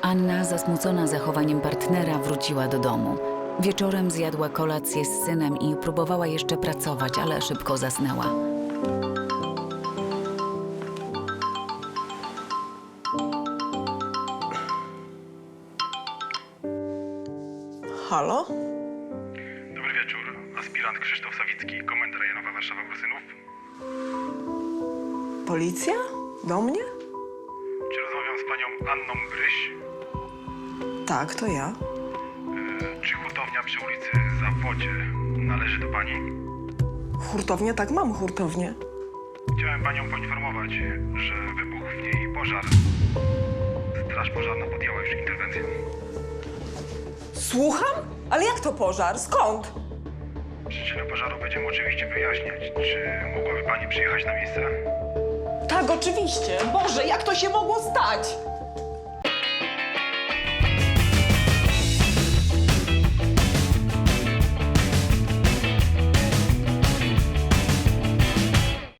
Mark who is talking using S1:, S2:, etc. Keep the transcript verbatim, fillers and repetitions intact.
S1: Anna, zasmucona zachowaniem partnera, wróciła do domu. Wieczorem zjadła kolację z synem i próbowała jeszcze pracować, ale szybko zasnęła.
S2: Halo?
S3: Dobry wieczór. Aspirant Krzysztof Sawicki, Komenda Rejonowa Warszawa-Ursynów.
S2: Policja? Do mnie?
S3: Czy rozmawiam z panią Anną Bryś?
S2: Tak, to ja.
S3: E, czy hurtownia przy ulicy Zawodzie należy do pani?
S2: Hurtownia? Tak, mam hurtownię.
S3: Chciałem panią poinformować, że wybuchł w niej pożar. Straż pożarna podjęła już interwencję.
S2: Słucham? Ale jak to pożar? Skąd?
S3: Przyczynę pożaru będziemy oczywiście wyjaśniać. Czy mogłaby pani przyjechać na miejsce?
S2: Tak, oczywiście. Boże, jak to się mogło stać?